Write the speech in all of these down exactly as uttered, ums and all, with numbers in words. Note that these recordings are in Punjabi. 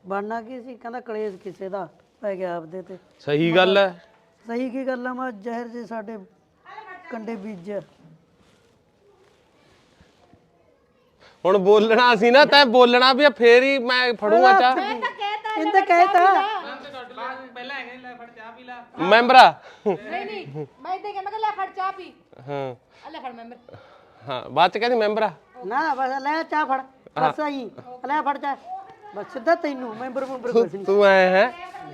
ਬਣਨਾ ਕੀ ਸੀ ਕਹਿੰਦਾ ਕਲੇਸ਼ ਕਿਸੇ ਦਾ ਪੈ ਗਿਆ ਆਪਦੇ ਤੇ ਸਹੀ ਗੱਲ ਹੈ ਸਹੀ ਕੀ ਗੱਲ ਆ ਮੈਂ ਜ਼ਹਿਰ ਜੇ ਸਾਡੇ ਕੰਡੇ ਬੀਜ ਹੁਣ ਬੋਲਣਾ ਸੀ ਨਾ ਤੈਂ ਬੋਲਣਾ ਵੀ ਫੇਰ ਹੀ ਮੈਂ ਫੜੂਗਾ ਚਾਹ ਇਹਨੇ ਕਹਿਤਾ ਪਹਿਲਾਂ ਹੈਗੇ ਲੈ ਫੜ ਚਾਹ ਪੀ ਲੈ ਮੈਂਬਰਾ ਨਹੀਂ ਨਹੀਂ ਮੈਂ ਇਦਾਂ ਕਹਿੰਦਾ ਕਿ ਲੈ ਫੜ ਚਾਹ ਪੀ ਹਾਂ ਆ ਲੈ ਫੜ ਮੈਂਬਰ ਹਾਂ ਬਾਅਦ ਚ ਕਹਿੰਦੀ ਮੈਂਬਰਾ ਨਾ ਬਸ ਲੈ ਚਾਹ ਫੜ ਬਸ ਆਈ ਲੈ ਫੜ ਚਾਹ ਬਸ ਸਿੱਧਾ ਤੈਨੂੰ ਮੈਂਬਰ ਮੈਂਬਰ ਕੁਛ ਨਹੀਂ ਤੂੰ ਆਇਆ ਹੈ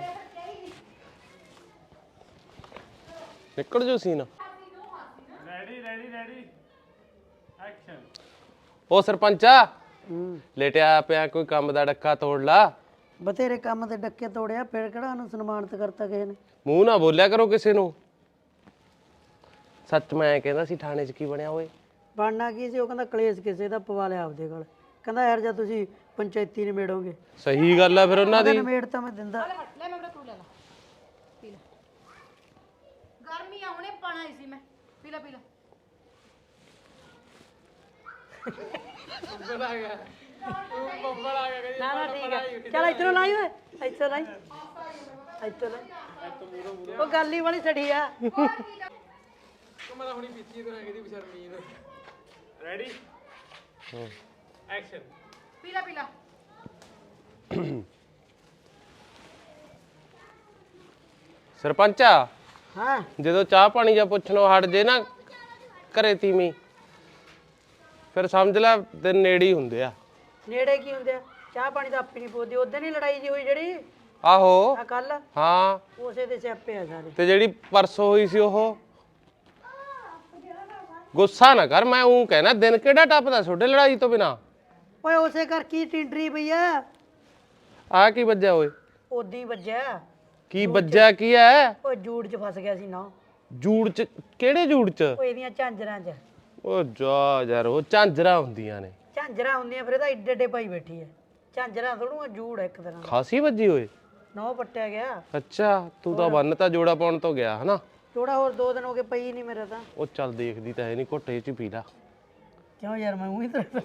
ਨਿਕਲ ਜੋ scene ready ready ready action ਉਹ ਸਰਪੰਚਾ ਹੂੰ ਲੇਟਿਆ ਪਿਆ ਕੋਈ ਕੰਮ ਦਾ ਡੱਕਾ ਤੋੜ ਲਾ ਬਥੇਰੇ ਕੰਮ ਤੇ ਡੱਕੇ ਤੋੜਿਆ ਫਿਰ ਕਿਹੜਾ ਉਹਨੂੰ ਸਨਮਾਨਿਤ ਕਰਤਾ ਕਿਸੇ ਨੇ ਮੂੰਹ ਨਾ ਬੋਲਿਆ ਕਰੋ ਕਿਸੇ ਨੂੰ ਸੱਚ ਮੈਂ ਕਹਿੰਦਾ ਸੀ ਥਾਣੇ 'ਚ ਕੀ ਬਣਿਆ ਓਏ ਬਣਨਾ ਕੀ ਸੀ ਉਹ ਕਹਿੰਦਾ ਕਲੇਸ਼ ਕਿਸੇ ਦਾ ਪਵਾ ਲਿਆ ਆਪਦੇ ਕੋਲ ਕਹਿੰਦਾ ਯਾਰ ਜਦ ਤੁਸੀਂ ਪੰਚਾਇਤੀ ਨਿਬੇੜੋਗੇ ਸਹੀ ਗੱਲ ਆ ਫਿਰ ਉਹਨਾਂ ਦੀ ਨਿਬੇੜ ਤਾਂ ਮੈਂ ਦਿੰਦਾ ਲੈ ਫੜ ਲੈ ਮੈਂਬਰ ਤੂੰ ਲੈ ਲੈ ਪੀ ਲੈ ਗਰਮੀ ਆ ਹੁਣੇ ਪਾਣਾ ਹੀ ਸੀ ਮੈਂ ਪੀ ਲੈ ਪੀ ਲੈ ਨਾ ਨਾ ਠੀਕ ਹੈ ਚੱਲ ਇੱਧਰੋਂ ਲਾਈ ਓਏ ਇੱਥੋਂ ਲਾਈ ਇੱਥੋਂ ਲਾਈ ਉਹ ਗੱਲ ਹੀ ਵਾਲੀ ਛੜੀ ਆ ਮੈਂ ਤਾਂ ਹੁਣੀ ਪੀਤੀ ਤੇ ਹੈਗੀ ਦੀ ਬਸ਼ਰਮੀਨ ਰੈਡੀ ਐਕਸ਼ਨ ਪੀ ਲੈ ਪੀ ਲੈ ਸਰਪੰਚਾ ਹਾਂ ਜਦੋਂ ਚਾਹ ਪਾਣੀ ਜਾਂ ਪੁੱਛਣੋਂ ਹਟ ਜੇ ਨਾ ਘਰੇ ਤੀਵੀਂ ਫਿਰ ਸਮਝ ਲੈ ਤੇ ਨੇੜੇ ਹੀ ਹੁੰਦੇ ਆ ਨੇੜੇ ਕੀ ਹੁੰਦੇ ਆ ਚਾਹ ਪਾਣੀ ਤਾਂ ਆਪੀ ਨਹੀਂ ਪੋਦੀ ਉਦੋਂ ਨਹੀਂ ਲੜਾਈ ਜੀ ਹੋਈ ਜਿਹੜੀ ਆਹੋ ਆ ਕੱਲ ਹਾਂ ਉਸੇ ਦੇ ਸਿਆਪੇ ਆ ਸਾਰੇ ਤੇ ਜਿਹੜੀ ਪਰਸੋਂ ਹੋਈ ਸੀ ਉਹ ਗੁੱਸਾ ਨਾ ਕਰ ਮੈਂ ਉਹ ਕਹਿਣਾ ਦਿਨ ਕਿਹੜਾ ਟੱਪਦਾ ਛੋਡੇ ਲੜਾਈ ਤੋਂ ਬਿਨਾ ਓਏ ਉਸੇ ਕਰ ਕੀ ਟਿੰਡਰੀ ਪਈ ਆ ਆ ਕੀ ਵੱਜਿਆ ਓਏ ਉਦੀ ਵੱਜਿਆ ਕੀ ਵੱਜਿਆ ਕੀ ਐ ਓਏ ਜੂੜ ਚ ਫਸ ਗਿਆ ਸੀ ਨਾ ਜੂੜ ਚ ਕਿਹੜੇ ਜੂੜ ਚ ਓਏ ਇਹਦੀਆਂ ਝਾਂਜਰਾਂ ਚ ਉਹ ਜਾ ਯਾਰ ਉਹ ਝਾਂਜਰਾਂ ਹੁੰਦੀਆਂ ਨੇ ਝਾਂਜਰਾਂ ਹੁੰਦੀਆਂ ਫਿਰ ਇਹਦਾ ਏਡੇ ਏਡੇ ਪਾਈ ਬੈਠੀ ਐ ਝਾਂਜਰਾਂ ਥੋੜੂ ਜੂੜ ਆ ਇੱਕ ਤਰ੍ਹਾਂ ਦਾ ਖਾਸੀ ਵੱਜੀ ਓਏ ਨੌ ਪੱਟਿਆ ਗਿਆ ਅੱਛਾ ਤੂੰ ਤਾਂ ਬੰਨ ਤਾਂ ਜੋੜਾ ਪਾਉਣ ਤੋਂ ਗਿਆ ਹਨਾ ਥੋੜਾ ਹੋਰ ਦੋ ਦਿਨ ਹੋ ਗਏ ਪਈ ਨਹੀਂ ਮੇਰਾ ਤਾਂ ਉਹ ਚੱਲ ਦੇਖਦੀ ਤਾਂ ਹੈ ਨਹੀਂ ਘੁੱਟੇ ਚ ਪੀ ਲਾ ਕਿਉਂ ਯਾਰ ਮੈਂ ਉਹੀ ਤਰ੍ਹਾਂ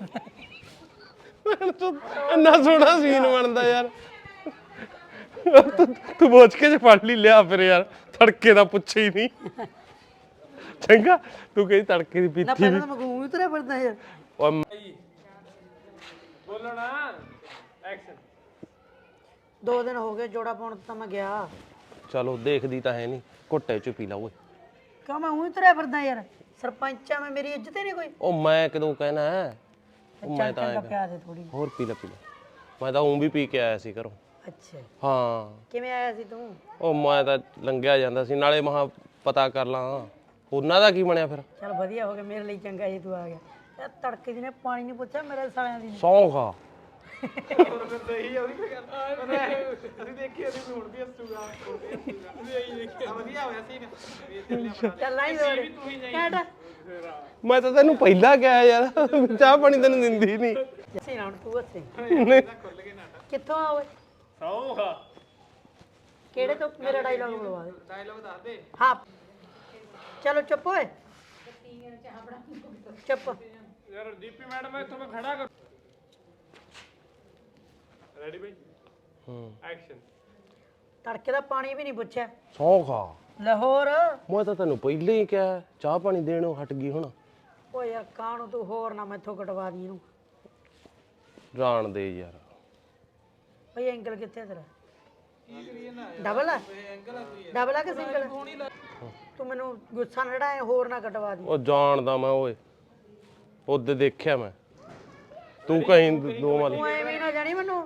ਇੰਨਾ ਸੋਹਣਾ ਸੀਨ ਬਣਦਾ ਯਾਰ ਤੂੰ ਤੂੰ ਬੋਝ ਕੇ ਜੇ ਫੜ ਲਈ ਲਿਆ ਫਿਰ ਯਾਰ ਤੜਕੇ ਦਾ ਪੁੱਛੇ ਹੀ ਨਹੀਂ ਚੰਗਾ ਤੂੰ ਕਹੀ ਤੜਕੇ ਦੀ ਨਾ ਪੀਤੀ ਪਹਿਲਾਂ ਤਾਂ ਮੈਂ ਉਹੀ ਤਰ੍ਹਾਂ ਫਿਰਦਾ ਯਾਰ ਓਏ ਬੋਲੋ ਨਾ ਐਕਸ਼ਨ ਦੋ ਦਿਨ ਹੋ ਗਏ ਜੋੜਾ ਪਾਉਣ ਤਾਂ ਮੈਂ ਗਿਆ ਚਲੋ ਦੇਖਦੀ ਤਾਂ ਹੈ ਨਹੀਂ ਘੁੱਟੇ ਚ ਪੀ ਲਾ ਓਏ ਕਿਉਂ ਮੈਂ ਉਹੀ ਤਰ੍ਹਾਂ ਫਿਰਦਾ ਯਾਰ ਸਰਪੰਚਾ ਮੈਂ ਮੇਰੀ ਇੱਜ਼ਤ ਹੀ ਨਹੀਂ ਕੋਈ ਉਹ ਮੈਂ ਕਦੋਂ ਕਹਿਣਾ ਹੈ ਉਹ ਮੈਂ ਤਾਂ ਚੰਗਾ ਪਿਆ ਦੇ ਥੋੜੀ ਹੋਰ ਪੀ ਲੈ ਪੀ ਲੈ ਮੈਂ ਤਾਂ ਉਂ ਵੀ ਪੀ ਕੇ ਆਇਆ ਸੀ ਘਰੋਂ ਅੱਛਾ ਹਾਂ ਕਿਵੇਂ ਆਇਆ ਸੀ ਤੂੰ ਉਹ ਮੈਂ ਤਾਂ ਲੰਘਿਆ ਜਾਂਦਾ ਸੀ ਨਾਲੇ ਮਹਾ ਪਤਾ ਕਰ ਲਾਂ ਉਹਨਾਂ ਦਾ ਕੀ ਬਣਿਆ ਫਿਰ ਚਲ ਵਧੀਆ ਹੋ ਗਿਆ ਮੇਰੇ ਲਈ ਚੰਗਾ ਜੀ ਤੂੰ ਆ ਗਿਆ ਯਾਰ ਤੜਕੇ ਜਿਹਨੇ ਪਾਣੀ ਨਹੀਂ ਪੁੱਛਿਆ ਮੇਰੇ ਸਾਲਿਆਂ ਦੀ ਸੌਂ ਖਾ ਸਹੀ ਆ ਉਹਦੀ ਗੱਲ ਅਸੀਂ ਦੇਖੀ ਅਸੀਂ ਹੁਣ ਵੀ ਹੱਸੂਗਾ ਹੁਣ ਵੀ ਹੱਸੂਗਾ ਅਸੀਂ ਇਹੀ ਦੇਖਿਆ ਵਧੀਆ ਹੋਇਆ ਸੀ ਚੱਲ ਲਾਈ ਦੋੜੇ ਕੱਟ ਮੈਂ ਤਾਂ ਤੈਨੂੰ ਪਹਿਲਾਂ ਕਿਹਾ ਯਾਰ ਚਾਹ ਪਾਣੀ ਤੈਨੂੰ ਦਿੰਦੀ ਨਹੀਂ ਜੱਸੀ ਨਾ ਹੁਣ ਤੂੰ ਹੱਸੇ ਖੁੱਲ ਕੇ ਨਾਟਕ ਕਿੱਥੋਂ ਆ ਓਏ ਸੌਂਗਾ ਕਿਹੜੇ ਤੋਂ ਮੇਰਾ ਡਾਇਲੌਗ ਬੁਲਵਾ ਦੇ ਡਾਇਲੌਗ ਦੱਸ ਦੇ ਹਾਂ ਚਲੋ ਚੁੱਪ ਓਏ ਚੁੱਪ ਯਾਰ ਦੀਪੀ ਮੈਡਮ ਇੱਥੋਂ ਮੈਂ ਖੜਾ ਕਰ ਰੈਡੀ ਬਈ ਹੂੰ ਐਕਸ਼ਨ ਤੜਕੇ ਦਾ ਪਾਣੀ ਵੀ ਨਹੀਂ ਪੁੱਛਿਆ ਸੌਂ ਖਾ ਲਾਹੌਰ ਮੈਂ ਤਾਂ ਤੈਨੂੰ ਪਹਿਲਾਂ ਹੀ ਕਿਹਾ ਚਾਹ ਪਾਣੀ ਦੇਣੋਂ ਹਟ ਗਈ ਹੁਣ ਓਏ ਯਾਰ ਕਾਹਨੂੰ ਤੂੰ ਹੋਰ ਨਾ ਮੈਥੋਂ ਕਟਵਾ ਦੀ ਇਹਨੂੰ ਜਾਣ ਦੇ ਯਾਰ ਭਈ ਐਂਗਲ ਕਿੱਥੇ ਤੇਰਾ ਡਬਲ ਆ ਡਬਲ ਆ ਕਿ ਸਿੰਗਲ ਤੂੰ ਮੈਨੂੰ ਗੁੱਸਾ ਨਾ ਲੜਾਏ ਹੋਰ ਨਾ ਕਟਵਾ ਦੀ ਉਹ ਜਾਣਦਾ ਮੈਂ ਓਏ ਉਹਦੇ ਦੇਖਿਆ ਮੈਂ ਤੂੰ ਕਹੀਂ ਦੋ ਵਾਲੀ ਤੂੰ ਐਵੇਂ ਨਾ ਜਾਣੀ ਮੈਨੂੰ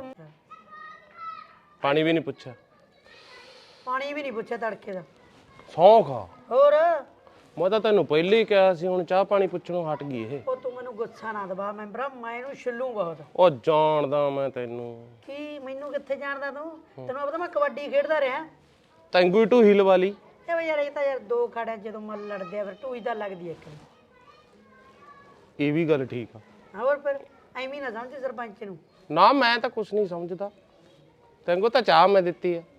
ਪਾਣੀ ਵੀ ਨਹੀਂ ਪੁੱਛਿਆ ਪਾਣੀ ਵੀ ਨਹੀਂ ਪੁੱਛਿਆ ਤੜਕੇ ਦਾ ਸੌਂ ਖਾ ਹੋਰ ਮੈਂ ਤਾਂ ਤੈਨੂੰ ਪਹਿਲਾਂ ਹੀ ਕਿਹਾ ਸੀ ਹੁਣ ਚਾਹ ਪਾਣੀ ਪੁੱਛਣੋਂ ਹਟ ਗਈ ਇਹ ਉਹ ਤੂੰ ਮੈਨੂੰ ਗੁੱਸਾ ਨਾ ਦਬਾ ਮੈਂਬਰਾ ਮੈਂ ਇਹਨੂੰ ਛਿੱਲੂ ਬਹੁਤ ਉਹ ਜਾਣਦਾ ਮੈਂ ਤੈਨੂੰ ਕੀ ਮੈਨੂੰ ਕਿੱਥੇ ਜਾਣਦਾ ਤੂੰ ਤੈਨੂੰ ਪਤਾ ਮੈਂ ਕਬੱਡੀ ਖੇਡਦਾ ਰਿਹਾ ਤੈਨੂੰ ਹੀ ਢੂਹੀ ਲਵਾ ਲਈ ਇਹ ਵੀ ਯਾਰ ਇਹ ਤਾਂ ਯਾਰ ਦੋ ਖੜਿਆ ਜਦੋਂ ਮੱਲ ਲੜਦੇ ਆ ਫਿਰ ਟੂਈ ਤਾਂ ਲੱਗਦੀ ਇੱਕ ਨੂੰ ਇਹ ਵੀ ਗੱਲ ਠੀਕ ਆ ਹੋਰ ਫਿਰ ਐਵੇਂ ਨਾ ਸਮਝ ਸਰਪੰਚ ਨੂੰ ਨਾ ਮੈਂ ਤਾਂ ਕੁਝ ਨਹੀਂ ਸਮਝਦਾ ਤੈਨੂੰ ਤਾਂ ਚਾਹ ਮੈਂ ਦਿੱਤੀ ਆ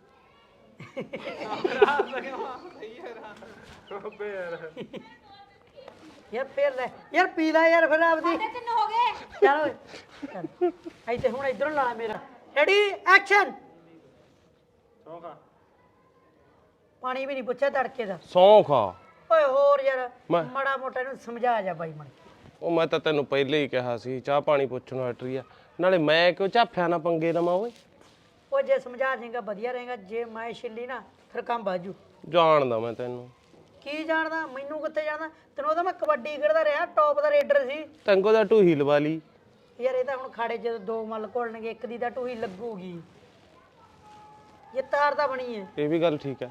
ਯਾਰ ਫੇਰ ਲੈ ਯਾਰ ਪੀ ਲੈ ਯਾਰ ਫਿਰ ਆਪਦੀ ਤਿੰਨ ਹੋ ਗਏ ਚੱਲ ਓਏ ਚੱਲ ਇੱਥੇ ਹੁਣ ਇਧਰੋਂ ਲਾ ਮੇਰਾ ਰੈਡੀ ਐਕਸ਼ਨ ਸੌਂਖਾ ਪਾਣੀ ਵੀ ਨਹੀਂ ਪੁੱਛਿਆ ਤੜਕੇ ਦਾ ਸੌਂ ਖਾ ਓਏ ਹੋਰ ਯਾਰ ਮੈਂ- ਮਾੜਾ ਮੋਟਾ ਇਹਨੂੰ ਸਮਝਾ ਜਾ ਬਾਈ ਮਣ ਉਹ ਮੈਂ ਤਾਂ ਤੈਨੂੰ ਪਹਿਲੇ ਹੀ ਕਿਹਾ ਸੀ ਚਾਹ ਪਾਣੀ ਪੁੱਛਣ ਨੂੰ ਹਟ ਰਹੀ ਆ ਨਾਲੇ ਮੈਂ ਕਿਉਂ ਝਾਫਿਆ ਨਾ ਪੰਗੇ ਲਵਾਂ ਓਏ ਉਹ ਜੇ ਸਮਝਾ ਦੇਗਾ ਵਧੀਆ ਰਹੇਗਾ ਜੇ ਮੈਂ ਛਿੱਲੀ ਨਾ ਫਿਰ ਕੰਮ ਬਾਜੂ ਜਾਣਦਾ ਮੈਂ ਤੈਨੂੰ ਕੀ ਜਾਣਦਾ ਮੈਨੂੰ ਕਿੱਥੇ ਜਾਣਦਾ ਤੈਨੂੰ ਉਹਦਾ ਮੈਂ ਕਬੱਡੀ ਖੇਡਦਾ ਰਿਹਾ ਟੌਪ ਦਾ ਰੇਡਰ ਸੀ ਤੰਗੋ ਦਾ ਢੂਹੀ ਲਵਾ ਲਈ ਯਾਰ ਇਹ ਤਾਂ ਹੁਣ ਖਾੜੇ ਜਦੋਂ ਦੋ ਮੱਲ ਘੋਲਣਗੇ ਇੱਕ ਦੀ ਤਾਂ ਟੂਹੀ ਲੱਗੂਗੀ ਇਹ ਤਾਰ ਤਾਂ ਬਣੀ ਹੈ ਇਹ ਵੀ ਗੱਲ ਠੀਕ ਹੈ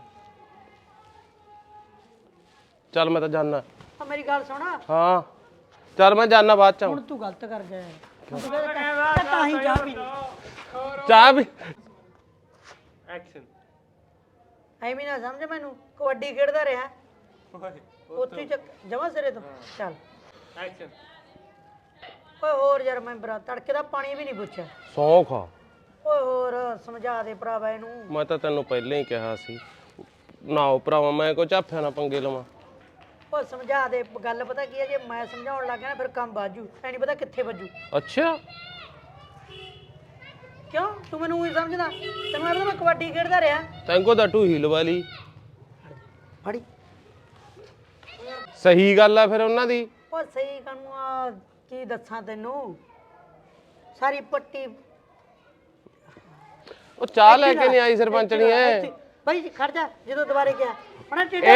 ਚੱਲ ਮੈਂ ਤਾਂ ਜਾਣਾ ਆ ਮੇਰੀ ਗੱਲ ਸੁਣਾ ਹਾਂ ਚੱਲ ਮੈਂ ਜਾਣਾ ਬਾਅਦ ਚ ਹੁਣ ਤੂੰ ਗਲਤ ਕਰ ਗਿਆ ਹੁਣ ਤੂੰ ਕਹਿੰਦਾ ਤਾਂ ਹੀ ਜਾ ਵੀ ਚਾਹ ਵੀ ਐਕਸ਼ਨ ਐਵੇਂ ਨਾ ਸਮਝ ਮੈਨੂੰ ਕਬੱਡੀ ਖੇਡਦਾ ਰਿਹਾ ਉੱਥੇ ਚੱਕ ਜਮਾ ਸਿਰੇ ਤੋਂ ਚੱਲ ਐਕਸ਼ਨ ਓਏ ਹੋਰ ਯਾਰ ਮੈਂ ਬਰਾ ਤੜਕੇ ਦਾ ਪਾਣੀ ਵੀ ਨਹੀਂ ਪੁੱਛਿਆ ਸੌਂ ਖਾ ਓਏ ਹੋਰ ਸਮਝਾ ਦੇ ਭਰਾਵਾ ਇਹਨੂੰ ਮੈਂ ਤਾਂ ਤੈਨੂੰ ਪਹਿਲਾਂ ਹੀ ਕਿਹਾ ਸੀ ਨਾਓ ਭਰਾਵਾ ਮੈਂ ਕੋ ਝਾਫਿਆ ਨਾ ਪੰਗੇ ਲਵਾਂ ਓ ਸਮਝਾ ਦੇ ਗੱਲ ਪਤਾ ਕੀ ਹੈ ਜੇ ਮੈਂ ਸਮਝਾਉਣ ਲੱਗ ਗਿਆ ਨਾ ਫਿਰ ਕੰਮ ਬਾਜੂ ਐ ਨਹੀਂ ਪਤਾ ਕਿੱਥੇ ਵੱਜੂ ਅੱਛਾ ਕਿਉਂ ਤੂੰ ਮੈਨੂੰ ਉਹੀ ਸਮਝਦਾ ਤੈਨੂੰ ਐ ਪਤਾ ਮੈਂ ਕਬੱਡੀ ਖੇਡਦਾ ਰਿਹਾ ਤੰਗੋ ਦਾ ਢੂਹੀ ਲਵਾ ਲਈ ਫੜੀ ਸਹੀ ਗੱਲ ਆ ਫਿਰ ਉਹਨਾਂ ਦੀ ਓ ਸਹੀ ਕਾਨੂੰ ਆ ਕੀ ਦੱਸਾਂ ਤੈਨੂੰ ਸਾਰੀ ਪੱਟੀ ਉਹ ਚਾਹ ਲੈ ਕੇ ਨਹੀਂ ਆਈ ਸਰਪੰਚਣੀ ਐ ਬਾਈ ਖੜ ਜਾ ਜਦੋਂ ਦੁਬਾਰੇ ਗਿਆ ਉਹਨਾਂ ਟੇਡਾ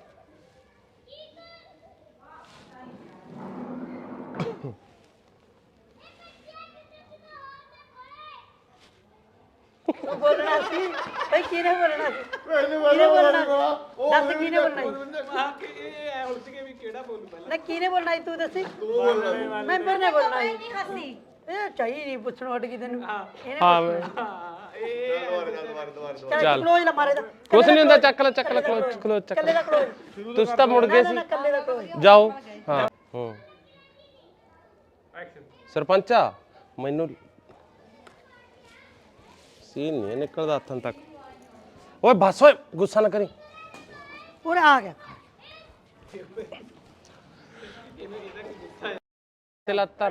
ਤੂੰ ਬੋਲਣਾ ਸੀ ਬਈ ਕਿਹਨੇ ਬੋਲਣਾ ਸੀ ਕਿਹਨੇ ਬੋਲਣਾ ਸੀ? ਦੱਸ ਕਿਹਨੇ ਬੋਲਣਾ ਸੀ? ਆ ਕਿ ਇਹ ਐ ਉਲਝ ਕੇ ਵੀ ਕਿਹੜਾ ਬੋਲੂ ਪਹਿਲਾਂ ਨਾ ਕਿਹਨੇ ਬੋਲਣਾ ਸੀ ਤੂੰ ਦੱਸੀ ਮੈਂਬਰ ਨੇ ਬੋਲਣਾ ਸੀ ਇਹ ਚਾਹੀ ਨਹੀਂ ਪੁੱਛਣ ਹਟ ਗਈ ਤੈਨੂੰ ਇਹਨੇ ਹਾਂ ਮੈਂ ਹਾਂ ਇਹ ਚੱਲ ਕਲੋਜ਼ ਲਾ ਮਾਰੇ ਦਾ ਕੁਛ ਨਹੀਂ ਹੁੰਦਾ ਚੱਕ ਲੈ ਚੱਕ ਲੈ ਕਲੋਜ਼ ਕਲੋਜ਼ ਚੱਕ ਕੱਲੇ ਦਾ ਲੈ ਕਲੋਜ਼ ਤੁਸੀਂ ਤਾਂ ਮੁੜ ਗਏ ਨਾ ਸੀ ਨਾ ਕੱਲੇ ਦਾ ਕਲੋਜ਼ ਜਾਓ ਹਾਂ ਹੂੰ ਐਕਸ਼ਨ ਸਰਪੰਚਾ ਮੈਨੂੰ ਸੀਨ ਨਹੀਂ ਨਿਕਲਦਾ ਹੱਥਾਂ ਤੱਕ ਓਏ ਬਸ ਓਏ ਗੁੱਸਾ ਨਾ ਕਰੀ ਉਹ ਆ ਗਿਆ ਤੇ ਲੱਤਰ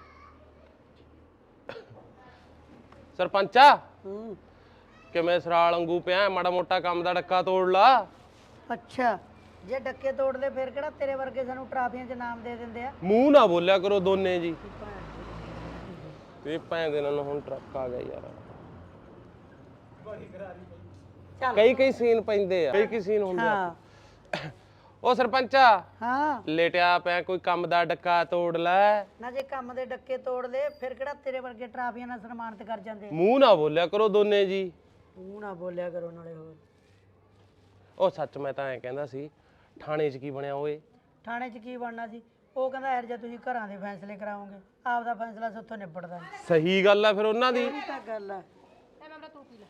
ਸਰਪੰਚਾ ਹੂੰ ਕਿਵੇਂ ਸਰਾਲ ਵਾਂਗੂ ਪਿਆ ਮਾੜਾ ਮੋਟਾ ਕੰਮ ਦਾ ਡੱਕਾ ਤੋੜ ਲਾ ਅੱਛਾ ਜੇ ਡੱਕੇ ਤੋੜਦੇ ਫਿਰ ਕਿਹੜਾ ਤੇਰੇ ਵਰਗੇ ਸਾਨੂੰ ਟਰਾਫੀਆਂ 'ਚ ਨਾਮ ਦੇ ਦਿੰਦੇ ਆ ਮੂੰਹ ਨਾ ਬੋਲਿਆ ਕਰੋ ਦੋਨੇ ਜੀ ਇਹ ਭੈਣ ਦੇ ਨਾਲ ਹੁਣ ਟਰੱਕ ਆ ਗਿਆ ਯਾਰ ਚੱਲ ਕਈ ਕਈ ਸੀਨ ਪੈਂਦੇ ਆ ਕਈ ਕਈ ਸੀਨ ਹੁੰਦੇ ਆ ਹਾਂ ਉਹ ਸਰਪੰਚਾ ਹਾਂ ਲੇਟਿਆ ਪਿਆ ਕੋਈ ਕੰਮ ਦਾ ਡੱਕਾ ਤੋੜ ਲੈ ਨਾ ਜੇ ਕੰਮ ਦੇ ਡੱਕੇ ਤੋੜਦੇ ਫਿਰ ਕਿਹੜਾ ਤੇਰੇ ਵਰਗੇ ਟਰਾਫੀਆਂ ਨਾਲ ਸਨਮਾਨਿਤ ਕਰ ਜਾਂਦੇ ਮੂੰਹ ਨਾ ਬੋਲਿਆ ਕਰੋ ਦੋਨੇ ਜੀ ਤੂੰ ਨਾ ਬੋਲਿਆ ਕਰੋ ਨਾਲੇ ਹੋਰ ਉਹ ਸੱਚ ਮੈਂ ਤਾਂ ਐਂ ਕਹਿੰਦਾ ਸੀ ਥਾਣੇ 'ਚ ਕੀ ਬਣਿਆ ਓਏ ਥਾਣੇ 'ਚ ਕੀ ਬਣਨਾ ਸੀ ਉਹ ਕਹਿੰਦਾ ਯਾਰ ਜੇ ਤੁਸੀਂ ਘਰਾਂ ਦੇ ਫੈਸਲੇ ਕਰਾਓਗੇ ਆਪਦਾ ਫੈਸਲਾ ਸੱਥੋਂ ਨਿਬੜਦਾ ਨਹੀਂ ਸਹੀ ਗੱਲ ਆ ਫਿਰ ਉਹਨਾਂ ਦੀ ਇਹ ਤਾਂ ਗੱਲ ਆ ਐ ਮੈਂਬਰਾ ਤੂੰ ਪੀ ਲੈ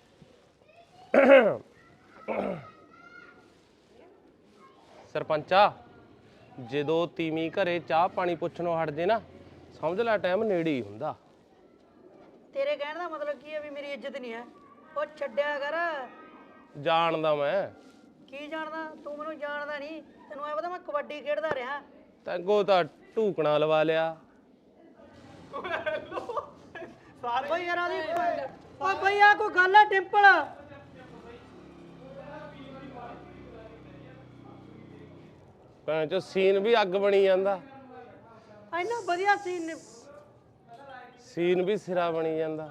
ਸਰਪੰਚਾ ਜਦੋਂ ਤੀਵੀਂ ਘਰੇ ਚਾਹ ਪਾਣੀ ਪੁੱਛਣੋਂ ਹਟ ਜੇ ਨਾ ਸਮਝ ਲੈ ਟਾਈਮ ਨੇੜੇ ਹੀ ਹੁੰਦਾ ਤੇਰੇ ਕਹਿਣ ਦਾ ਮਤਲਬ ਕੀ ਹੈ ਵੀ ਮੇਰੀ ਇੱਜ਼ਤ ਨਹੀਂ ਹੈ ਉਹ ਛੱਡਿਆ ਕਰ ਜਾਣਦਾ ਮੈਂ ਕੀ ਜਾਣਦਾ ਤੂੰ ਮੈਨੂੰ ਜਾਣਦਾ ਨਹੀਂ ਤੈਨੂੰ ਐ ਪਤਾ ਮੈਂ ਕਬੱਡੀ ਖੇਡਦਾ ਰਿਹਾ ਤੈਨੂੰ ਤਾਂ ਢੂਕਣਾ ਲਵਾ ਲਿਆ ਸਾਰੇ ਬਈ ਯਾਰ ਆਦੀ ਓ ਬਈ ਆ ਕੋਈ ਗੱਲ ਆ ਡਿੰਪਲ ਭੈਣ ਚੋ ਸੀਨ ਵੀ ਅੱਗ ਬਣੀ ਜਾਂਦਾ ਇੰਨਾ ਵਧੀਆ ਸੀਨ ਨੇ ਸੀਨ ਵੀ ਸਿਰਾ ਬਣੀ ਜਾਂਦਾ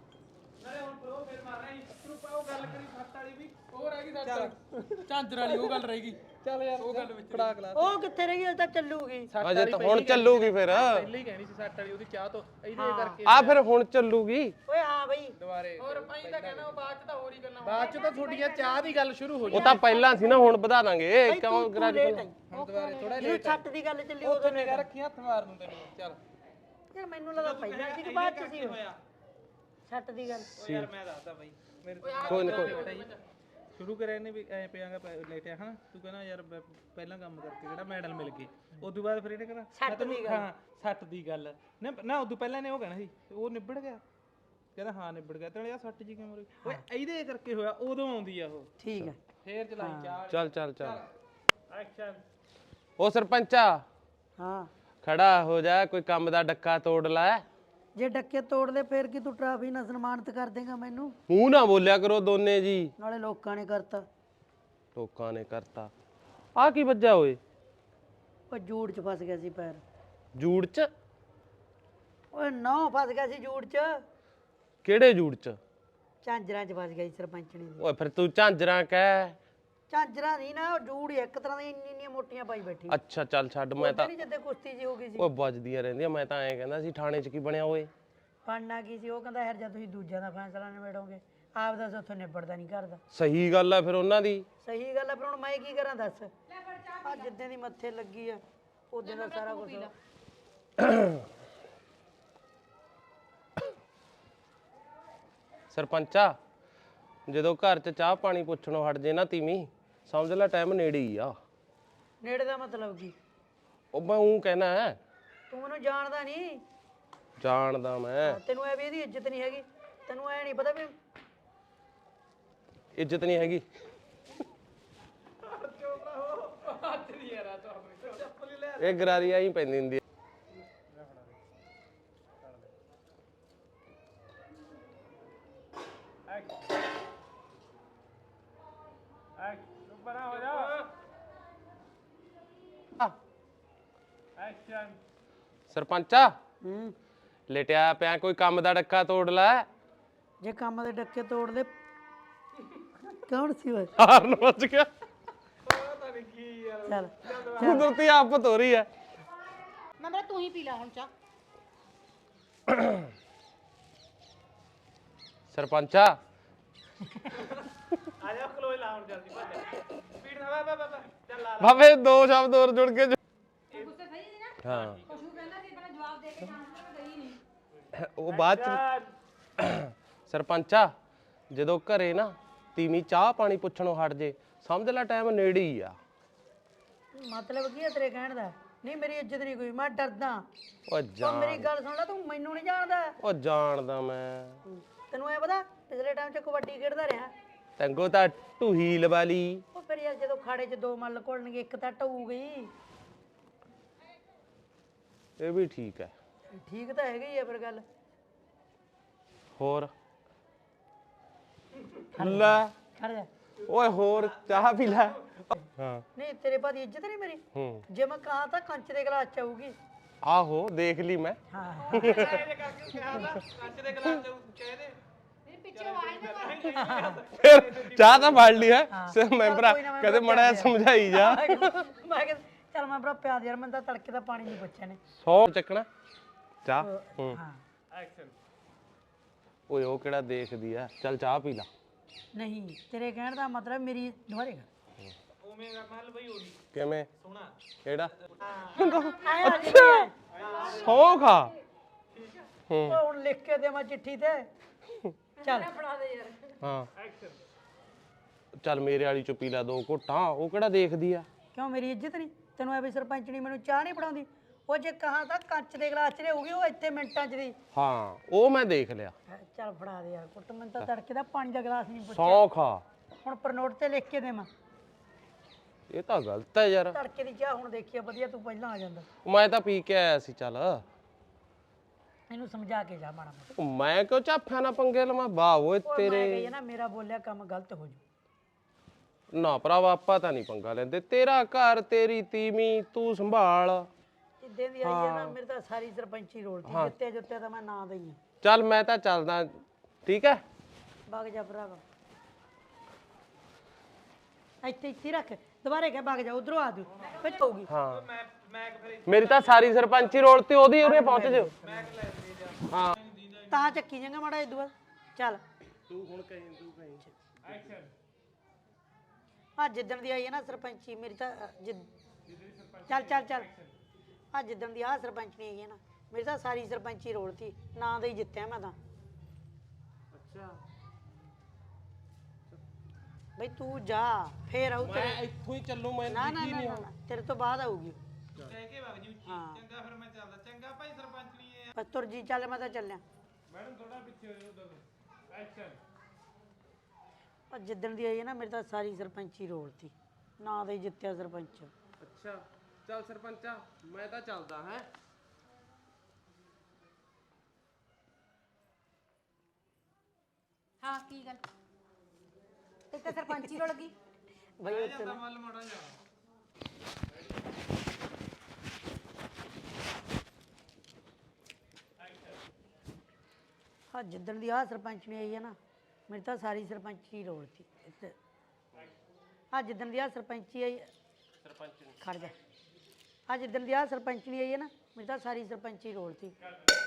ਝਾਂਜਰ ਵਾਲੀ ਉਹ ਗੱਲ ਰਹੇਗੀ ਚੱਲ ਯਾਰ ਉਹ ਗੱਲ ਵਿੱਚ ਕੜਾ ਕਲਾ ਉਹ ਕਿੱਥੇ ਰਹੀ ਅਜੇ ਤਾਂ ਚੱਲੂਗੀ ਅਜੇ ਤਾਂ ਹੁਣ ਚੱਲੂਗੀ ਫਿਰ ਪਹਿਲਾਂ ਹੀ ਕਹਿਣੀ ਸੀ ਸੱਟ ਵਾਲੀ ਉਹਦੀ ਚਾਹ ਤੋਂ ਇਹਦੇ ਕਰਕੇ ਆ ਫਿਰ ਹੁਣ ਚੱਲੂਗੀ ਓਏ ਹਾਂ ਬਈ ਦੁਬਾਰੇ ਹੋਰ ਅਸੀਂ ਤਾਂ ਕਹਿਣਾ ਉਹ ਬਾਅਦ ਚ ਤਾਂ ਹੋਰ ਹੀ ਕਰਨਾ ਬਾਅਦ ਚ ਤਾਂ ਤੁਹਾਡੀਆਂ ਚਾਹ ਦੀ ਗੱਲ ਸ਼ੁਰੂ ਹੋ ਉਹ ਤਾਂ ਪਹਿਲਾਂ ਸੀ ਨਾ ਹੁਣ ਵਧਾ ਦਾਂਗੇ ਕਿਉਂ ਗਰਾਜ ਹੁਣ ਦੁਬਾਰੇ ਥੋੜਾ ਲੇਟ ਛੱਟ ਦੀ ਗੱਲ ਚੱਲੀ ਉਦੋਂ ਨੇ ਨਿਗਾ ਰੱਖੀ ਹੱਥ ਮਾਰ ਦੂੰ ਤੈਨੂੰ ਚੱਲ ਯਾਰ ਮੈਨੂੰ ਲੱਗਾ ਪਹਿਲਾਂ ਸੀ ਕਿ ਬਾਅਦ ਚ ਸੀ ਛੱਟ ਦੀ ਗੱਲ ਯਾਰ ਮੈਂ ਦੱਸਦਾ ਬਾਈ ਮੇਰੇ ਕੋਈ ਨਾ ਕੋਈ ਸ਼ੁਰੂ ਕਰਿਆ ਇਹਨੇ ਵੀ ਐ ਪਿਆਗਾ ਲੇਟਿਆ ਹਨਾ ਤੂੰ ਕਹਿੰਦਾ ਯਾਰ ਬ- ਪਹਿਲਾਂ ਕੰਮ ਕਰਕੇ ਕਿਹੜਾ ਮੈਡਲ ਮਿਲ ਗਏ ਉਦੋਂ ਬਾਅਦ ਫਿਰ ਇਹਨੇ ਕਹਿੰਦਾ ਸੱਟ ਦੀ ਗੱਲ। ਹਾਂ ਸੱਟ ਦੀ ਗੱਲ ਨਾ ਨਾ ਉਦੋਂ ਪਹਿਲਾਂ ਨੇ ਉਹ ਕਹਿਣਾ ਸੀ ਉਹ ਨਿਬੜ ਗਿਆ ਕਹਿੰਦਾ ਹਾਂ ਨਿਬੜ ਗਿਆ ਤੇ ਨਾਲੇ ਆ ਸੱਟ ਜੀ ਕਿਵੇਂ ਹੋਈ ਓਏ ਇਹਦੇ ਕਰਕੇ ਹੋਇਆ ਉਦੋਂ ਆਉਂਦੀ ਆ ਉਹ ਠੀਕ ਹੈ ਫੇਰ ਚਲਾਈ ਚਾਹ ਚੱਲ ਚੱਲ ਚੱਲ ਐਕਸ਼ਨ ਉਹ ਸਰਪੰਚਾ ਹਾਂ ਖੜਾ ਹੋ ਜਾ ਕੋਈ ਕੰਮ ਦਾ ਡੱਕਾ ਤੋੜ ਲੈ ਜੇ ਡੱਕੇ ਤੋੜ ਲੈ ਫੇਰ ਕੀ ਤੂੰ ਟਰਾਫੀ ਨਾਲ ਸਨਮਾਨਿਤ ਕਰ ਦੇਗਾ ਮੈਨੂੰ? ਮੂੰਹ ਨਾ ਬੋਲਿਆ ਕਰੋ ਦੋਨੇ ਜੀ। ਨਾਲੇ ਲੋਕਾਂ ਨੇ ਕਰਤਾ। ਲੋਕਾਂ ਨੇ ਕਰਤਾ। ਆ ਕੀ ਵੱਜਾ ਓਏ? ਉਹ ਜੂੜ ਚ ਫਸ ਗਿਆ ਸੀ ਪੈਰ। ਜੂੜ ਚ? ਓਏ ਨੌ ਫਸ ਗਿਆ ਸੀ ਜੂੜ ਚ। ਕਿਹੜੇ ਜੂੜ ਚ? ਝਾਂਜਰਾਂ ਚ ਫਸ ਗਿਆ ਸੀ ਸਰਪੰਚਣੀ ਦੀ। ਓਏ ਫਿਰ ਤੂੰ ਝਾਂਜਰਾਂ ਕਹਿ। ਝਾਂਜਰਾਂ ਨਹੀਂ ਨਾ, ਉਹ ਜੂੜ ਹੀ ਇੱਕ ਤਰ੍ਹਾਂ ਦੀ ਇੰਨੀ ਇੰਨੀਆਂ ਮੋਟੀਆਂ ਪਾਈ ਬੈਠੀ। ਅੱਛਾ ਚੱਲ ਛੱਡ, ਮੈਂ ਤਾਂ ਨਹੀਂ ਜਿੱਦੇ ਕੁਸ਼ਤੀ ਜੀ ਹੋ ਗਈ ਸੀ। ਓਏ ਵੱਜਦੀਆਂ ਰਹਿੰਦੀਆਂ। ਮੈਂ ਤਾਂ ਐਂ ਕਹਿੰਦਾ ਸੀ ਥਾਣੇ ਚ ਕੀ ਬਣਿਆ ਓਏ? ਬਣਨਾ ਕੀ ਸੀ? ਉਹ ਕਹਿੰਦਾ ਯਾਰ ਜਦ ਤੁਸੀਂ ਦੂਜਿਆਂ ਦਾ ਫੈਸਲਾ ਨਿਬੇੜੋਗੇ ਆਪ ਦਾ ਉੱਥੋਂ ਨਿਬੜਦਾ ਨਹੀਂ ਕਰਦਾ। ਸਹੀ ਗੱਲ ਆ ਫਿਰ ਉਹਨਾਂ ਦੀ। ਸਹੀ ਗੱਲ ਆ, ਫਿਰ ਹੁਣ ਮੈਂ ਕੀ ਕਰਾਂ ਦੱਸ? ਆ ਜਿੱਦਾਂ ਦੀ ਮੱਥੇ ਲੱਗੀ ਆ ਉਦੋਂ ਦਾ ਸਾਰਾ ਕੁਝ। ਸਰਪੰਚਾ, ਜਦੋਂ ਘਰ ਚ ਚਾਹ ਪਾਣੀ ਪੁੱਛਣੋਂ ਹਟ ਜੇ ਨਾ ਤੀਵੀਂ, ਸਮਝ ਲੈ ਟਾਈਮ ਨੇੜੇ ਹੀ ਆ। ਨੇੜੇ ਦਾ ਮਤਲਬ ਕੀ? ਉਹ ਮੈਂ ਉਹ ਕਹਿਣਾ ਹੈ। ਤੂੰ ਮੈਨੂੰ ਜਾਣਦਾ ਨਹੀਂ। ਜਾਣਦਾ ਮੈਂ। ਤੈਨੂੰ ਐ ਵੀ ਇਹਦੀ ਇੱਜ਼ਤ ਨਹੀਂ ਹੈਗੀ? ਤੈਨੂੰ ਐ ਨਹੀਂ ਪਤਾ ਵੀ ਇੱਜ਼ਤ ਨਹੀਂ ਹੈਗੀ? ਇਹ ਗਰਾਰੀ ਆਈ ਪੈਂਦੀ ਹੁੰਦੀ। ਬਣਾ ਹੋ ਜਾ। ਐਕਸ਼ਨ। ਸਰਪੰਚਾ, ਹੂੰ ਲੇਟਿਆ ਪਿਆ, ਕੋਈ ਕੰਮ ਦਾ ਡੱਕਾ ਤੋੜ ਲੈ। ਜੇ ਕੰਮ ਦੇ ਡੱਕੇ ਤੋੜ ਦੇ। ਕੌਣ ਸੀ ਓਏ? ਹਾਰਨ ਵੱਜ ਗਿਆ। ਪਤਾ ਨਹੀਂ ਕੀ ਯਾਰ। ਚੱਲ ਕੁਦਰਤੀ ਆਫਤ ਹੋ ਰਹੀ ਹੈ। ਮੈਂ ਮੇਰਾ ਤੂੰ ਹੀ ਪੀ ਲੈ ਹੁਣ ਚਾਹ। ਸਰਪੰਚਾ, ਆ ਜਾ ਖਲੋਏ ਲਾ ਹੁਣ ਜਲਦੀ ਭੱਜ। ਸਪੀਡ ਨਾਲ ਵਾ ਵਾ ਵਾ ਚੱਲ ਲਾ। ਬਾਬੇ ਦੋ ਸ਼ਬਦ ਹੋਰ ਜੁੜ ਕੇ। ਗੁੱਸੇ ਸਹੀ ਸੀ ਨਾ? ਹਾਂ ਕੁਛ ਕਹਿੰਦਾ ਸੀ ਪਹਿਲਾਂ ਜਵਾਬ ਦੇ ਕੇ ਜਾਣਾ, ਮੈਂ ਗਈ ਨਹੀਂ। ਉਹ ਬਾਅਦ ਚ। ਸਰਪੰਚਾ, ਜਦੋਂ ਘਰੇ ਨਾ ਤੀਵੀਂ ਚਾਹ ਪਾਣੀ ਪੁੱਛਣੋਂ ਹਟ ਜੇ, ਸਮਝ ਲੈ ਟਾਈਮ ਨੇੜੇ ਹੀ ਆ। ਮਤਲਬ ਕੀ ਹੈ ਤੇਰੇ ਕਹਿਣ ਦਾ? ਨਹੀਂ ਮੇਰੀ ਇੱਜ਼ਤ ਨਹੀਂ ਕੋਈ, ਮੈਂ ਡਰਦਾ। ਓ ਉਹ ਜਾਣ ਮੇਰੀ ਗੱਲ ਸੁਣ ਲੈ, ਤੂੰ ਮੈਨੂੰ ਨਹੀਂ ਜਾਣਦਾ। ਓ ਜਾਣਦਾ ਮੈਂ। ਤੈਨੂੰ ਐ ਪਤਾ ਪਿਛਲੇ ਟਾਈਮ 'ਚ ਕਬੱਡੀ ਖੇਡਦਾ ਰਿਹਾ। ਤੰਗੋ ਤਾਂ ਢੂਹੀ ਲਵਾ ਲਈ। ਉਹ ਫਿਰ ਯਾਰ ਜਦੋਂ ਖਾੜੇ 'ਚ ਦੋ ਮੱਲ ਘੁਲਣਗੇ ਇੱਕ ਤਾਂ ਢਊ ਗਈ। ਇਹ ਵੀ ਠੀਕ ਹੈ। ਠੀਕ ਤਾਂ ਹੈਗਾ ਹੀ ਆ ਫਿਰ ਗੱਲ। ਹੋਰ ਲੈ ਖੜ ਜਾ। ਓਏ ਹੋਰ ਚਾਹ ਪੀ ਲੈ। ਹਾਂ ਨਹੀਂ ਤੇਰੇ ਬਾਅਦ ਇੱਜ਼ਤ ਨਹੀਂ ਮੇਰੀ? ਹੂੰ ਜੇ ਮੈਂ ਕਹਾਂ ਤਾਂ ਕੰਚ ਦੇ ਗਲਾਸ 'ਚ ਆਊਗੀ। ਆਹੋ ਦੇਖ ਲਈ ਮੈਂ। ਹਾਂ ਇਹ ਕਰਕੇ ਕਿਹਾ ਨਾ ਕੱਚ ਦੇ ਗਲਾਸ ਚ ਕਹਿ ਦੇ। ਮੇਰੇ ਪਿੱਛੇ ਆਵਾਜ਼ ਨਾ ਕਰ। ਫਿਰ ਚਾਹ ਤਾਂ ਫੜ ਲਈ ਹੈ ਸਿਰ ਮੈਂਬਰਾ, ਕਦੇ ਮੜਾ ਸਮਝਾਈ ਜਾ। ਮੈਂ ਕਿਹਾ ਚੱਲ ਮੈਂ ਭਰਾ ਪਿਆ ਦੇ ਯਾਰ, ਮੈਂ ਤਾਂ ਤੜਕੇ ਦਾ ਪਾਣੀ ਨਹੀਂ ਪੁੱਛਿਆ ਨੇ। ਸੌ ਚੱਕਣਾ ਚਾਹ। ਹੂੰ ਹਾਂ ਐਕਸ਼ਨ। ਓਏ ਉਹ ਕਿਹੜਾ ਦੇਖਦੀ ਆ, ਚੱਲ ਚਾਹ ਪੀ ਲਾ। ਨਹੀਂ ਤੇਰੇ ਕਹਿਣ ਦਾ ਮਤਲਬ ਮੇਰੀ ਦੁਬਾਰੇ ਕਰ। ਉਵੇਂ ਦਾ ਮਹਿਲ ਬਈ ਹੋਣੀ ਕਿਵੇਂ? ਸੋਹਣਾ। ਕਿਹੜਾ? ਆਇਆ ਅੱਛਾ ਸੌ ਖਾ। ਹੂੰ ਉਹ ਹੁਣ ਲਿਖ ਕੇ ਦੇ ਮੈਂ ਚਿੱਠੀ ਤੇ। ਚੱਲ ਫੜਾ ਦੇ ਯਾਰ। ਹਾਂ ਐਕਸ਼ਨ। ਚੱਲ ਮੇਰੇ ਵਾਲੀ ਚੋਂ ਪੀ ਲਾ ਦੋ ਘੁੱਟਾਂ, ਉਹ ਕਿਹੜਾ ਦੇਖਦੀ ਆ। ਕਿਉਂ ਮੇਰੀ ਇੱਜ਼ਤ ਨਹੀਂ? ਤੈਨੂੰ ਐ ਵੀ ਸਰਪੰਚਣੀ ਮੈਨੂੰ ਚਾਹ ਨਹੀਂ ਪੜਾਉਂਦੀ? ਉਹ ਜੇ ਕਹਾਂ ਤਾਂ ਕੱਚ ਦੇ ਗਲਾਸ 'ਚ ਰਹੂਗੀ, ਉਹ ਇੱਥੇ ਮਿੰਟਾਂ 'ਚ ਦੀ। ਹਾਂ ਉਹ ਮੈਂ ਦੇਖ ਲਿਆ। ਚੱਲ ਫੜਾ ਦੇ ਯਾਰ ਕੁੱਟ, ਮੈਨੂੰ ਤਾਂ ਤੜਕੇ ਦਾ ਪਾਣੀ ਦਾ ਗਲਾਸ ਨਹੀਂ ਪੁੱਛਿਆ। ਸੌ ਖਾ। ਹੁਣ ਪਰ ਨੋਟ ਤੇ ਲਿਖ ਕੇ ਦੇਵਾਂ? ਇਹ ਤਾਂ ਗਲਤ ਹੈ ਯਾਰ। ਤੜਕੇ ਦੀ ਚਾਹ ਹੁਣ ਦੇਖੀ ਆ, ਵਧੀਆ ਤੂੰ ਪਹਿਲਾਂ ਆ ਜਾਂਦਾ। ਮੈਂ ਤਾਂ ਪੀ ਕੇ ਆਇਆ ਸੀ। ਚੱਲ ਇਹਨੂੰ ਸਮਝਾ ਕੇ ਜਾ ਮਾੜਾ ਮੋਟਾ। ਉਹ ਮੈਂ ਕਿਉਂ ਝਾਫਿਆਂ ਨਾਲ ਪੰਗੇ ਲਵਾਂ? ਵਾਹ ਓਏ ਉਹ ਮੈਂ ਤੇਰੇ। ਕਹੀ ਆ ਨਾ ਮੇਰਾ ਬੋਲਿਆ ਕੰਮ ਗਲਤ ਹੋ ਜੂ। ਨਾ ਭਰਾਵਾ ਆਪਾਂ ਤਾਂ ਨਹੀਂ ਪੰਗਾ ਲੈਂਦੇ। ਤੇਰਾ ਘਰ ਤੇਰੀ ਤੀਵੀਂ ਤੂੰ ਸੰਭਾਲ। ਜਿੱਦਾਂ ਦੀ ਆਈ ਆ ਨਾ ਮੇਰੇ ਤਾਂ ਸਾਰੀ ਸਰਪੰਚੀ ਰੋਲ ਤੀ। ਜਿੱਤੇ ਜੁੱਤੇ ਤਾਂ ਮੈਂ ਨਾਂ ਦਈ ਆ। ਚੱਲ ਮੈਂ ਤਾਂ ਚੱਲਦਾ, ਠੀਕ ਹੈ। ਵਗ ਜਾ ਭਰਾਵਾ, ਇੱਥੇ ਇੱਥੇ ਰੱਖ। ਦੁਬਾਰੇ ਕਹਿ ਵਗ ਜਾ, ਉਧਰੋਂ ਆ ਜੂ ਫਿਰ ਹੋਊਗੀ। ਹਾਂ ਮੈਂ ਮੈਂ ਫਿਰ ਮੇਰੀ ਤਾਂ ਸਾਰੀ ਸਰਪੰਚੀ ਰੋਲ ਤੇ ਉਹਦੀ ਉਰੇ ਪਹੁੰਚ ਜਾਓ। ਮੈਂ ਲੈ ਦੇ ਜਾ। ਹਾਂ ਤਾਂ ਚੱਕੀ ਜਾਂਗਾ ਮਾੜਾ ਇਦੂ ਚੱਲ। ਤੂੰ ਹੁਣ ਕਹੀਂ ਤੂੰ ਕਹੀਂ। ਐਕਸ਼ਨ। ਆ ਜਿੱਦਣ ਦੀ ਆਈ ਹੈ ਨਾ ਸਰਪੰਚੀ ਮੇਰੀ ਤਾਂ ਅ, ਜਿੱਦ- ਚੱਲ ਚੱਲ ਚੱਲ। ਆ ਜਿੱਦਣ ਦੀ ਆ ਸਰਪੰਚਣੀ ਆਈ ਹੈ ਨਾ ਮੇਰੀ ਤਾਂ ਸਾਰੀ ਸਰਪੰਚੀ ਰੋਲ ਤੀ। ਨਾਂ ਦੇ ਹੀ ਜਿੱਤਿਆ ਮੈਂ ਤਾਂ। ਅੱਛਾ ਬਈ ਤੂੰ ਜਾ ਫੇਰ ਆਊ ਮੈਂ ਤੇਰੇ। ਇੱਥੋਂ ਹੀ ਚੱਲੂ। ਮੈਂ ਨਾ ਨਾ ਨਾ ਨਾ, ਤੇਰੇ ਤੋਂ ਬਾਅਦ ਆਊਗੀ। ਕਹਿ ਕੇ ਵਗ ਜੀ ਉੱਚੀ। ਹਾਂ। ਚੰਗਾ ਫਿਰ ਮੈਂ ਚੱਲਦਾ। ਚੰਗਾ ਭਾਈ ਸਰਪੰਚ ਨਹੀਂ ਇਹ। ਬਸ ਤੁਰ ਜੀ ਚੱਲ, ਮੈਂ ਤਾਂ ਚੱਲਿਆ। ਮੈਡਮ ਥੋੜਾ ਪਿੱਛੇ ਹੋ ਜਾਓ ਉਧਰ। ਐਕਸ਼ਨ। ਆ ਜਿੱਦਣ ਦੀ ਆਈ ਹੈ ਨਾ ਮੇਰੀ ਤਾਂ ਸਾਰੀ ਸਰਪੰਚੀ ਰੋਲ ਤੀ। ਨਾਂ ਦੇ ਹੀ ਜਿੱਤਿਆ ਸਰਪੰਚ। ਅੱਛਾ ਚੱਲ ਸਰਪੰਚਾ, ਮੈਂ ਤਾਂ ਚੱਲਦਾ ਹੈ। ਹਾਂ ਕੀ ਗੱਲ ਇੱਕ ਤਾਂ ਸਰਪੰਚੀ ਰੁਲ ਗਈ ਬਈ ਉੱਥੇ ਨਾ ਮੱਲ ਮਾੜਾ ਜਾ ਹਾਂ ਜਿੱਦਣ ਦੀ ਆਹ ਸਰਪੰਚ ਨਹੀਂ ਆਈ ਹੈ ਨਾ ਮੇਰੀ ਤਾਂ ਸਾਰੀ ਸਰਪੰਚੀ ਰੋਲਤੀ ਇੱਥੇ ਆ ਜਿੱਦਣ ਦੀ ਆਹ ਸਰਪੰਚੀ ਆਈ ਸਰਪੰਚ ਖੜ ਜਾ ਆ ਜਿੱਦਣ ਦੀ ਆਹ ਸਰਪੰਚ ਨਹੀਂ ਆਈ ਹੈ ਨਾ ਮੇਰੀ ਤਾਂ ਸਾਰੀ ਸਰਪੰਚੀ ਰੋਲਤੀ